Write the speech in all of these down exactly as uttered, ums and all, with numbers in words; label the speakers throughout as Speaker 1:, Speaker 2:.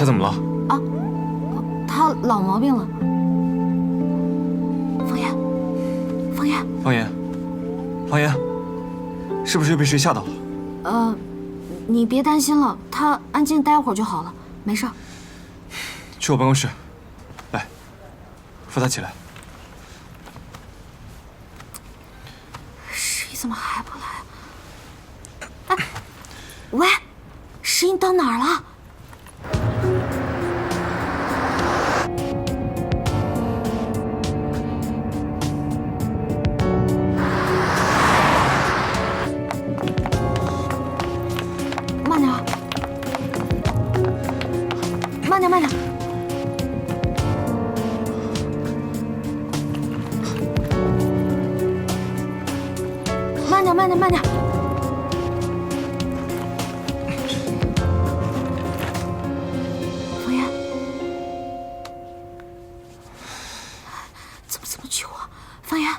Speaker 1: 怎么了？
Speaker 2: 啊，他老毛病了。方言，方言，
Speaker 1: 方言，方言，是不是又被谁吓到了？
Speaker 2: 呃，你别担心了，他安静待会儿就好了，没事。
Speaker 1: 去我办公室，来，扶他起来。
Speaker 2: 十一怎么还不来？哎，喂，十一到哪儿了？慢点，慢点，慢点。慢点，慢点，慢点。方言，怎么这么久啊？方言，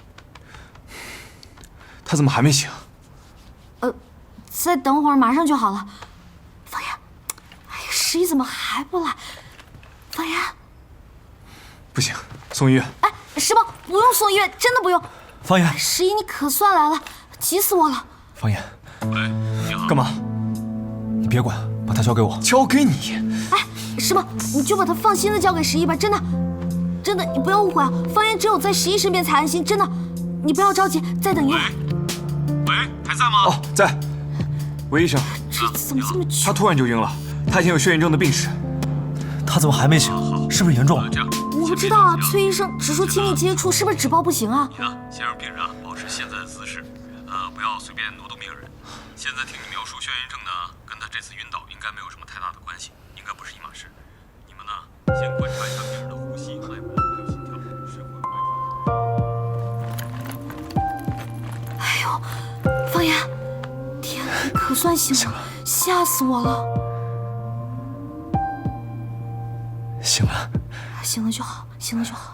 Speaker 1: 他怎么还没醒？
Speaker 2: 呃，再等会儿，马上就好了。方言，哎呀，十一怎么还不来？方言，
Speaker 1: 不行，送医院。
Speaker 2: 哎，石宝，不用送医院，真的不用。
Speaker 1: 方言，
Speaker 2: 十一，你可算来了，急死我了。
Speaker 1: 方言，
Speaker 3: 喂，你好。
Speaker 1: 干嘛？
Speaker 4: 你别管，把他交给我。
Speaker 1: 交给你？
Speaker 2: 哎，石宝，你就把他放心的交给十一吧，真的，真的，你不要误会啊。方言只有在十一身边才安心，真的，你不要着急，再等一会儿。
Speaker 3: 喂，还在吗？
Speaker 1: 哦，在。韦医生，
Speaker 2: 这次怎么这么久？
Speaker 1: 他突然就晕了，他以前有血炎症的病史。
Speaker 4: 他怎么还没醒？是不是严重了？
Speaker 2: 我不知道啊，崔医生只说亲密接触，是不是纸包不行啊？
Speaker 3: 你呢，先让病人啊保持现在的姿势，呃，不要随便挪动病人。现在听你描述眩晕症呢，跟他这次晕倒应该没有什么太大的关系，应该不是一码事。你们呢，先观察一下病人的呼吸、脉搏还有心跳，是会观察。
Speaker 2: 哎呦，方言，天哪，你可算醒了，吓死我了！
Speaker 4: 醒了，
Speaker 2: 醒了就好，醒了就好。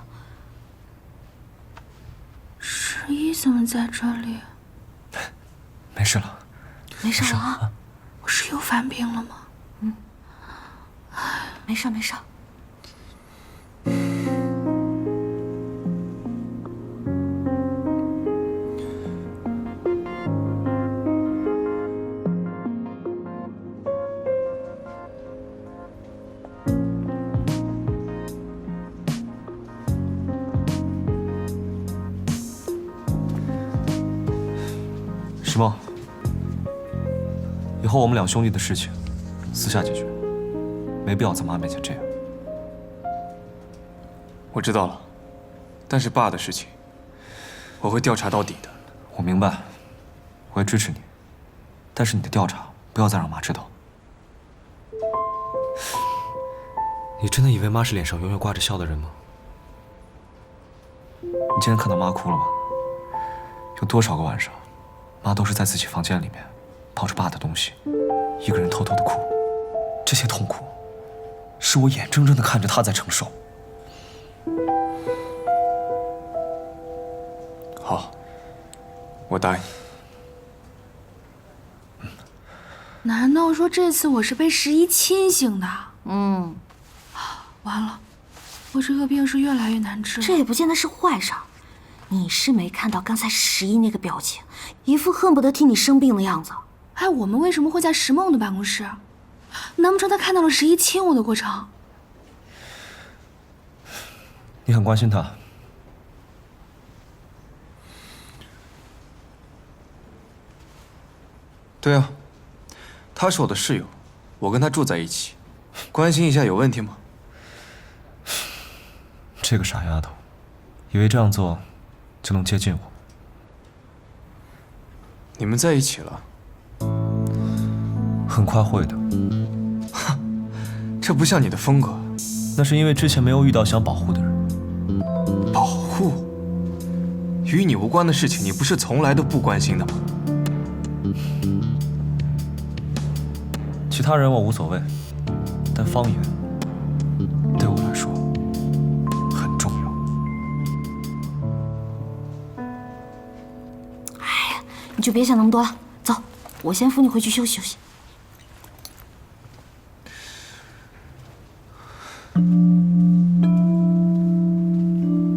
Speaker 5: 十一怎么在这里？
Speaker 4: 没事了，
Speaker 2: 没事了啊，
Speaker 5: 我是又犯病了吗？
Speaker 2: 嗯，没事没事。
Speaker 4: 石梦，以后我们两兄弟的事情私下解决，没必要在妈面前这样。
Speaker 1: 我知道了，但是爸的事情，我会调查到底的。
Speaker 4: 我明白，我也支持你，但是你的调查不要再让妈知道。你真的以为妈是脸上永远挂着笑的人吗？你今天看到妈哭了吗？有多少个晚上，妈都是在自己房间里面，抱着爸的东西，一个人偷偷的哭。这些痛苦，是我眼睁睁的看着她在承受。
Speaker 1: 好，我答应。
Speaker 5: 难道说这次我是被十一亲醒的？
Speaker 2: 嗯，
Speaker 5: 完了，我这个病是越来越难治了。
Speaker 2: 这也不见得是坏事儿。你是没看到刚才十一那个表情，一副恨不得替你生病的样子。
Speaker 5: 哎，我们为什么会在石梦的办公室？难不成他看到了十一亲我的过程？
Speaker 4: 你很关心她。
Speaker 1: 对啊，她是我的室友，我跟她住在一起，关心一下有问题吗？
Speaker 4: 这个傻丫头，以为这样做就能接近我。
Speaker 1: 你们在一起了？
Speaker 4: 很快会的。
Speaker 1: 这不像你的风格。
Speaker 4: 那是因为之前没有遇到想保护的人。
Speaker 1: 保护？与你无关的事情，你不是从来都不关心的吗？
Speaker 4: 其他人我无所谓，但方言对我来说很重要。
Speaker 2: 哎呀，你就别想那么多了，走，我先扶你回去休息休息。